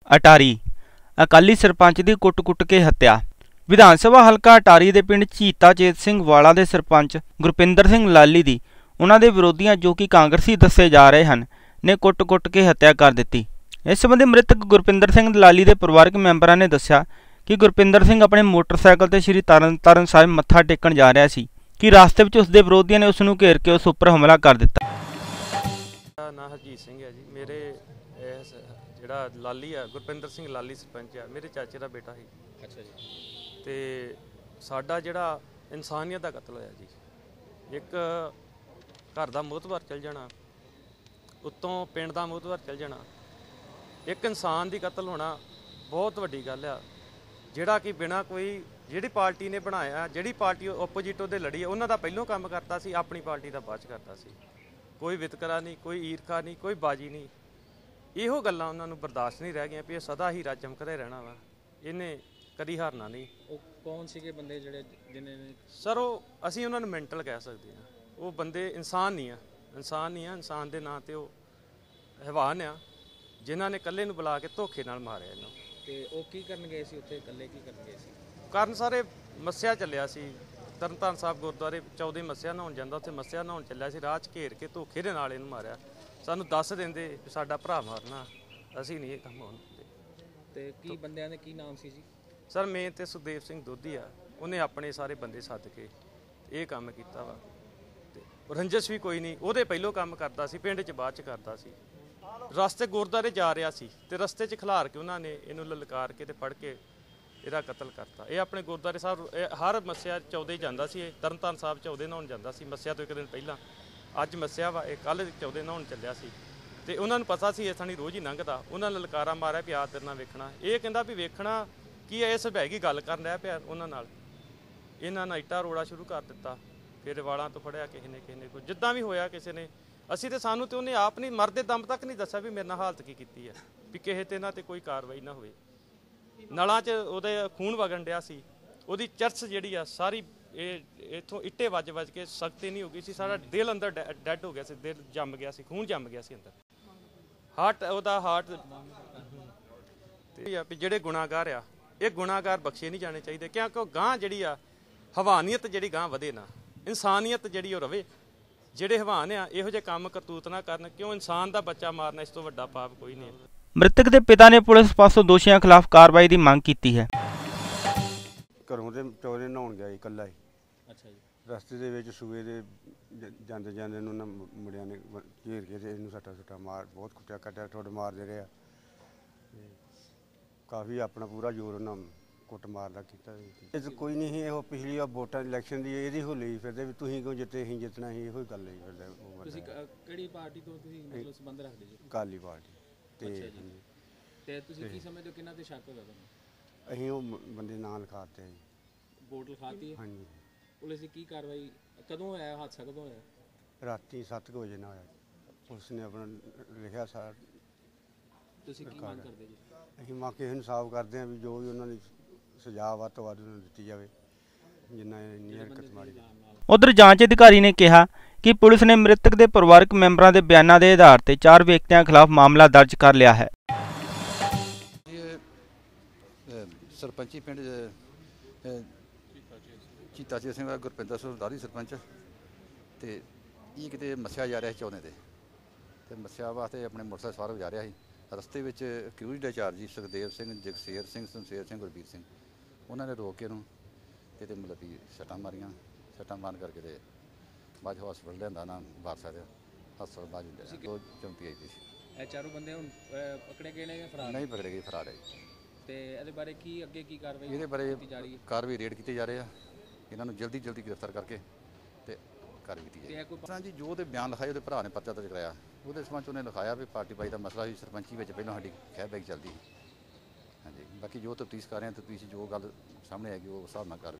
अटारी अकाली सरपंच की कुट-कुट के हत्या। विधान सभा हलका अटारी के पिंड झीता चेत सिंह वाला के सरपंच गुरपिंदर सिंह लाली की उन्होंने दे विरोधियों जो कि कांग्रेसी दसे जा रहे हैं ने कुट-कुट के हत्या कर दी। इस संबंधी मृतक गुरपिंदर सिंह लाली के परिवारक मैंबरों ने दस्या कि गुरपिंदर सिंह अपने मोटरसाइकिल से श्री तरनताਰਨ साहिब मत्था टेकन जा रहा सी कि रास्ते में उसके विरोधियों ने उसनूं घेर के उस उपर हमला कर दिता। ना हरजीत सिंह है जी, मेरे ਜਿਹੜਾ ਲਾਲੀ ਆ ਗੁਰਪਿੰਦਰ ਸਿੰਘ ਲਾਲੀ ਸਰਪੰਚ ਆ, ਮੇਰੇ ਚਾਚੇ ਦਾ ਬੇਟਾ ਸੀ। ਅੱਛਾ ਜੀ। ਤੇ ਸਾਡਾ ਜਿਹੜਾ ਇਨਸਾਨੀਅਤ ਦਾ ਕਤਲ ਹੋਇਆ ਜੀ, ਇੱਕ ਘਰ ਦਾ ਮੋਹਤਬਰ ਚਲ ਜਾਣਾ, ਉੱਤੋਂ ਪਿੰਡ ਦਾ ਮੋਹਤਬਰ ਚਲ ਜਾਣਾ, ਇੱਕ ਇਨਸਾਨ ਦੀ ਕਤਲ ਹੋਣਾ ਬਹੁਤ ਵੱਡੀ ਗੱਲ ਆ, ਜਿਹੜਾ ਕਿ ਬਿਨਾਂ ਕੋਈ ਜਿਹੜੀ ਪਾਰਟੀ ਨੇ ਬਣਾਇਆ, ਜਿਹੜੀ ਪਾਰਟੀ ਓਪੋਜਿਟ ਉਹਦੇ ਲੜੀ ਆ, ਉਹਨਾਂ ਦਾ ਪਹਿਲੋਂ ਕੰਮ ਕਰਤਾ ਸੀ, ਆਪਣੀ ਪਾਰਟੀ ਦਾ ਬਾਅਦ 'ਚ ਕਰਤਾ ਸੀ। ਕੋਈ ਵਿਤਕਰਾ ਨਹੀਂ, ਕੋਈ ਈਰਖਾ ਨਹੀਂ, ਕੋਈ ਬਾਜੀ ਨਹੀਂ। ਇਹੋ ਗੱਲਾਂ ਉਹਨਾਂ ਨੂੰ ਬਰਦਾਸ਼ਤ ਨਹੀਂ ਰਹਿ ਗਈਆਂ ਵੀ ਇਹ ਸਦਾ ਹੀ ਰਾਜ ਚਮਕਦਾ ਰਹਿਣਾ ਵਾ, ਇਹਨੇ ਕਦੀ ਹਾਰਨਾ ਨਹੀਂ। ਉਹ ਕੌਣ ਸੀਗੇ ਬੰਦੇ ਜਿਹੜੇ ਜਿਹਨੇ ਸਰ, ਉਹ ਅਸੀਂ ਉਹਨਾਂ ਨੂੰ ਮੈਂਟਲ ਕਹਿ ਸਕਦੇ ਹਾਂ। ਉਹ ਬੰਦੇ ਇਨਸਾਨ ਨਹੀਂ ਆ, ਇਨਸਾਨ ਨਹੀਂ ਆ, ਇਨਸਾਨ ਦੇ ਨਾਂ 'ਤੇ ਉਹ ਹੈਵਾਨ ਆ, ਜਿਨ੍ਹਾਂ ਨੇ ਇਕੱਲੇ ਨੂੰ ਬੁਲਾ ਕੇ ਧੋਖੇ ਨਾਲ ਮਾਰਿਆ ਇਹਨੂੰ। ਅਤੇ ਉਹ ਕੀ ਕਰਨ ਗਏ ਸੀ ਉੱਥੇ, ਇਕੱਲੇ ਕੀ ਕਰਨ ਗਏ ਸੀ? ਕਾਰਨ ਸਾਰੇ ਮੱਸਿਆ ਚੱਲਿਆ ਸੀ, ਤਰਨਤਾਰਨ ਸਾਹਿਬ ਗੁਰਦੁਆਰੇ 14 ਮੱਸਿਆ ਨਹਾਉਣ ਜਾਂਦਾ, ਉੱਥੇ ਮੱਸਿਆ ਨਹਾਉਣ ਚੱਲਿਆ ਸੀ, ਰਾਹ 'ਚ ਘੇਰ ਕੇ ਧੋਖੇ ਦੇ ਨਾਲ ਇਹਨੂੰ ਮਾਰਿਆ। ਸਾਨੂੰ ਦੱਸ ਦਿੰਦੇ ਸਾਡਾ ਭਰਾ ਮਾਰਨਾ, ਅਸੀਂ ਨਹੀਂ ਇਹ ਕੰਮ ਹੋਣ ਦਿੰਦੇ। ਅਤੇ ਕੀ ਬੰਦਿਆਂ ਦੇ ਕੀ ਨਾਮ ਸੀ ਜੀ? ਸਰ ਮੇਨ ਤਾਂ ਸੁਖਦੇਵ ਸਿੰਘ ਦੋਧੀ ਆ, ਉਹਨੇ ਆਪਣੇ ਸਾਰੇ ਬੰਦੇ ਸੱਦ ਕੇ ਇਹ ਕੰਮ ਕੀਤਾ ਵਾ। ਅਤੇ ਰੰਜਿਸ਼ ਵੀ ਕੋਈ ਨਹੀਂ, ਉਹਦੇ ਪਹਿਲੋਂ ਕੰਮ ਕਰਦਾ ਸੀ, ਪਿੰਡ 'ਚ ਬਾਅਦ 'ਚ ਕਰਦਾ ਸੀ। ਰਸਤੇ ਗੁਰਦੁਆਰੇ ਜਾ ਰਿਹਾ ਸੀ ਅਤੇ ਰਸਤੇ 'ਚ ਖਿਲਾਰ ਕੇ ਉਹਨਾਂ ਨੇ ਇਹਨੂੰ ਲਲਕਾਰ ਕੇ ਅਤੇ ਫੜ ਕੇ ਇਹਦਾ ਕਤਲ ਕਰਤਾ। ਇਹ ਆਪਣੇ ਗੁਰਦੁਆਰੇ ਸਾਹਿਬ ਹਰ ਮੱਸਿਆ 14 ਜਾਂਦਾ ਸੀ, ਇਹ ਤਰਨਤਾਰਨ ਸਾਹਿਬ 14 ਨਹਾਉਣ ਜਾਂਦਾ ਸੀ, ਮੱਸਿਆ ਤੋਂ ਇੱਕ ਦਿਨ ਪਹਿਲਾਂ। ਅੱਜ ਮੱਸਿਆ ਵਾ, ਇਹ ਕੱਲ੍ਹ 14 ਨਹਾਉਣ ਚੱਲਿਆ ਸੀ ਅਤੇ ਉਹਨਾਂ ਨੂੰ ਪਤਾ ਸੀ ਇਹ ਸਾਨੀ ਰੋਜ਼ ਹੀ ਲੰਘਦਾ। ਉਹਨਾਂ ਨੇ ਲਲਕਾਰਾ ਮਾਰਿਆ ਵੀ ਆ ਤੇਰੇ ਨਾਲ ਵੇਖਣਾ। ਇਹ ਕਹਿੰਦਾ ਵੀ ਵੇਖਣਾ ਕੀ ਹੈ, ਇਹ ਸਭੈਗੀ ਗੱਲ ਕਰਨ ਰਿਹਾ ਪਿਆ ਉਹਨਾਂ ਨਾਲ। ਇਹਨਾਂ ਨਾਲ ਇੱਟਾਂ ਰੋੜਾ ਸ਼ੁਰੂ ਕਰ ਦਿੱਤਾ, ਫਿਰ ਵਾਲਾਂ ਤੋਂ ਫੜਿਆ ਕਿਸੇ ਨੇ ਕੋਈ ਜਿੱਦਾਂ ਵੀ ਹੋਇਆ ਕਿਸੇ ਨੇ। ਅਸੀਂ ਤਾਂ ਸਾਨੂੰ ਤਾਂ ਉਹਨੇ ਆਪ ਨਹੀਂ ਮਰਦੇ ਦਮ ਤੱਕ ਨਹੀਂ ਦੱਸਿਆ ਵੀ ਮੇਰੇ ਨਾਲ ਹਾਲਤ ਕੀ ਕੀਤੀ ਹੈ, ਵੀ ਕਿਸੇ ਤੇ ਇਹਨਾਂ 'ਤੇ ਕੋਈ ਕਾਰਵਾਈ ਨਾ ਹੋਵੇ। ਨਲਾਂ 'ਚ ਉਹਦੇ ਖੂਨ ਵਗਣ ਡਿਆ ਸੀ, ਉਹਦੀ ਚਰਚ ਜਿਹੜੀ ਆ ਸਾਰੀ ਇਹ ਇੱਥੋਂ ਇੱਟੇ ਵੱਜ ਕੇ ਸਖਤੀ ਨਹੀਂ ਹੋ ਗਈ ਸੀ, ਸਾਰਾ ਦਿਲ ਅੰਦਰ ਡੈਡ ਹੋ ਗਿਆ ਸੀ, ਦਿਲ ਜੰਮ ਗਿਆ ਸੀ, ਖੂਨ ਜੰਮ ਗਿਆ ਸੀ ਅੰਦਰ, ਹਾਰਟ ਤੇ ਵੀ ਜਿਹੜੇ ਗੁਨਾਹਗਾਰ ਆ, ਇਹ ਗੁਨਾਹਗਾਰ ਬਖਸ਼ੇ ਨਹੀਂ ਜਾਣੇ ਚਾਹੀਦੇ, ਕਿਉਂਕਿ ਉਹ ਗਾਂਹ ਜਿਹੜੀ ਆ ਹਵਾਨੀਅਤ ਜਿਹੜੀ ਗਾਂਹ ਵਧੇ ਨਾ, ਇਨਸਾਨੀਅਤ ਜਿਹੜੀ ਉਹ ਰਵੇ। ਜਿਹੜੇ ਹਵਾਨ ਆ ਇਹੋ ਜਿਹੇ ਕੰਮ ਕਰਤੂਤ ਨਾ ਕਰਨ, ਕਿਉਂ ਇਨਸਾਨ ਦਾ ਬੱਚਾ ਮਾਰਨਾ ਇਸ ਤੋਂ ਵੱਡਾ ਪਾਪ ਕੋਈ ਨਹੀਂ। ਮ੍ਰਿਤਕ ਦੇ ਪਿਤਾ ਨੇ ਪੁਲਿਸ ਪਾਸੋਂ ਦੋਸ਼ੀਆਂ ਖਿਲਾਫ ਕਾਰਵਾਈ ਦੀ ਮੰਗ ਕੀਤੀ ਹੈ। ਘਰੋਂ ਤੇ ਚੌਰੇ ਨਹਾਉਣ ਗਿਆ ਇਕੱਲਾ ਹੀ। ਅੱਛਾ ਜੀ। ਰਸਤੇ ਦੇ ਵਿੱਚ ਸੂਏ ਦੇ ਜਾਂਦੇ ਨੂੰ ਉਹਨਾਂ ਮੁੰਡਿਆਂ ਨੇ ਘੇਰ ਕੇ ਤੇ ਇਹਨੂੰ ਸੱਟਾ ਮਾਰ ਬਹੁਤ ਕੁੱਟਿਆ ਕੱਟਿਆ, ਠੁੱਡ ਮਾਰਦੇ ਰਹੇ ਆ। ਕਾਫੀ ਆਪਣਾ ਪੂਰਾ ਜ਼ੋਰ ਉਹਨਾਂ ਕੁੱਟ ਮਾਰ ਦਾ ਕੀਤਾ। ਇਹ ਤਾਂ ਕੋਈ ਨਹੀਂ ਸੀ, ਇਹੋ ਪਿਛਲੀ ਵਾਰ ਵੋਟਾਂ ਇਲੈਕਸ਼ਨ ਦੀ ਇਹਦੀ ਹੋਲੀ ਫਿਰਦੇ ਵੀ ਤੁਸੀਂ ਕਿਉਂ ਜਿੱਤੇ, ਅਸੀਂ ਜਿੱਤਣਾ ਸੀ, ਇਹੋ ਹੀ ਗੱਲ ਹੀ ਫਿਰਦਾ। ਤੁਸੀਂ ਕਿਹੜੀ ਪਾਰਟੀ ਤੋਂ ਤੁਸੀਂ ਮਤਲਬ ਸੰਬੰਧ ਰੱਖਦੇ ਜੀ? ਅਕਾਲੀ ਪਾਰਟੀ। ਤੇ ਤੁਸੀਂ ਕੀ ਸਮਝਦੇ ਹੋ ਕਿਹਨਾਂ ਤੇ ਸ਼ੱਕ ਹੋਇਆ ਤੁਹਾਨੂੰ? ਅਸੀਂ ਉਹ ਬੰਦੇ ਨਾਂ ਲਿਖਾਤੇ ਜੀ। ਵੋਟ ਲਿਖਾਤੀ ਹੈ? ਹਾਂਜੀ। ਪੁਲਿਸ ਦੀ ਕੀ ਕਾਰਵਾਈ, ਕਦੋਂ ਹੋਇਆ ਹਾਦਸਾ, ਕਦੋਂ ਹੋਇਆ? ਰਾਤੀ 7 ਵਜੇ ਨਾਲ ਹੋਇਆ। ਪੁਲਿਸ ਨੇ ਆਪਣਾ ਲਿਖਿਆ ਸਾਰਾ। ਤੁਸੀਂ ਕੀ ਮੰਗ ਕਰਦੇ ਜੀ? ਅਸੀਂ ਮੰਗ ਕੇ ਇਨਸਾਫ ਕਰਦੇ ਹਾਂ ਵੀ ਜੋ ਵੀ ਉਹਨਾਂ ਦੀ ਸਜ਼ਾ ਵੱਧ ਤੋਂ ਵੱਧ ਉਹਨਾਂ ਨੂੰ ਦਿੱਤੀ ਜਾਵੇ, ਜਿੰਨਾ ਇੰਨੀ ਹਰਕਤ ਮਾਰੀ। ਉਧਰ ਜਾਂਚ ਅਧਿਕਾਰੀ ਨੇ ਕਿਹਾ ਕਿ ਪੁਲਿਸ ਨੇ ਮ੍ਰਿਤਕ ਦੇ ਪਰਿਵਾਰਕ ਮੈਂਬਰਾਂ ਦੇ ਬਿਆਨਾਂ ਦੇ ਆਧਾਰ ਤੇ 4 ਵਿਅਕਤੀਆਂ ਖਿਲਾਫ ਮਾਮਲਾ ਦਰਜ ਕਰ ਲਿਆ ਹੈ। ਸਰਪੰਚੀ ਪਿੰਡ ਝੀਤਾ ਚੇਤ ਸਿੰਘ ਗੁਰਪਿੰਦਰ ਸਿੰਘ ਲਾਲੀ ਸਰਪੰਚ, ਅਤੇ ਇਹ ਕਿਤੇ ਮੱਸਿਆ ਜਾ ਰਿਹਾ ਸੀ 14 ਤੇ ਮੱਸਿਆ ਵਾਸਤੇ ਆਪਣੇ ਮੋਟਰਸਾਈਕਲ ਸਵਾਰ ਹੋ ਜਾ ਰਿਹਾ ਸੀ। ਰਸਤੇ ਵਿੱਚ ਕਿਊਰੀ ਦਾ ਚਾਰਜੀ ਸੁਖਦੇਵ ਸਿੰਘ, ਜਗਸ਼ੇਰ ਸਿੰਘ, ਸ਼ਮਸ਼ੇਰ ਸਿੰਘ, ਗੁਰਬੀਰ ਸਿੰਘ, ਉਹਨਾਂ ਨੇ ਰੋਕ ਕੇ ਉਹਨੂੰ ਅਤੇ ਮਤਲਬ ਵੀ ਸੱਟਾਂ ਮਾਰੀਆਂ। ਸੱਟਾਂ ਮਾਰਨ ਕਰਕੇ ਅਤੇ ਬਾਅਦ ਹਸਪਤਾਲ ਲਿਆਂਦਾ ਨਾ ਵਾਰਸਾ ਦੇ ਹਸਪਤਾਲ ਬਾਅਦ ਉਹ ਚੌਂਕੀ ਆਈ ਸੀ। ਇਹ ਚਾਰੋਂ ਬੰਦੇ ਹੁਣ ਪਕੜੇ ਗਏ ਨੇ ਜਾਂ ਫਰਾਰ? ਨਹੀਂ ਪਕੜੇ ਗਏ, ਫਰਾਰ ਹੈ। ਅਤੇ ਇਹਦੇ ਬਾਰੇ ਕੀ ਅੱਗੇ ਕੀ ਕਾਰਵਾਈ? ਇਹਦੇ ਬਾਰੇ ਕਾਰਵਾਈ ਰੇਡ ਕੀਤੇ ਜਾ ਰਹੇ ਆ, ਇਹਨਾਂ ਨੂੰ ਜਲਦੀ ਗ੍ਰਿਫਤਾਰ ਕਰਕੇ ਅਤੇ ਕਾਰਵਾਈ ਕੀਤੀ ਜਾਏ। ਜੀ ਜੋ ਉਹਦੇ ਬਿਆਨ ਲਿਖਾਏ, ਉਹਦੇ ਭਰਾ ਨੇ ਪਰਚਾ ਦਰਜ ਕਰਾਇਆ, ਉਹਦੇ ਸੰਬੰਧ 'ਚ ਉਹਨੇ ਲਿਖਾਇਆ ਵੀ ਪਾਰਟੀ ਬਾਈ ਦਾ ਮਸਲਾ ਸੀ, ਸਰਪੰਚੀ ਵਿੱਚ ਪਹਿਲਾਂ ਸਾਡੀ ਖਹਿ ਬੈਗ ਚੱਲਦੀ ਸੀ। ਹਾਂਜੀ, ਬਾਕੀ ਜੋ ਤਫਤੀਸ਼ ਕਰ ਰਹੇ ਹਾਂ, ਤਫਤੀਸ਼ ਜੋ ਗੱਲ ਸਾਹਮਣੇ ਆਏਗੀ ਉਹ ਹਿਸਾਬ ਨਾਲ ਕਰ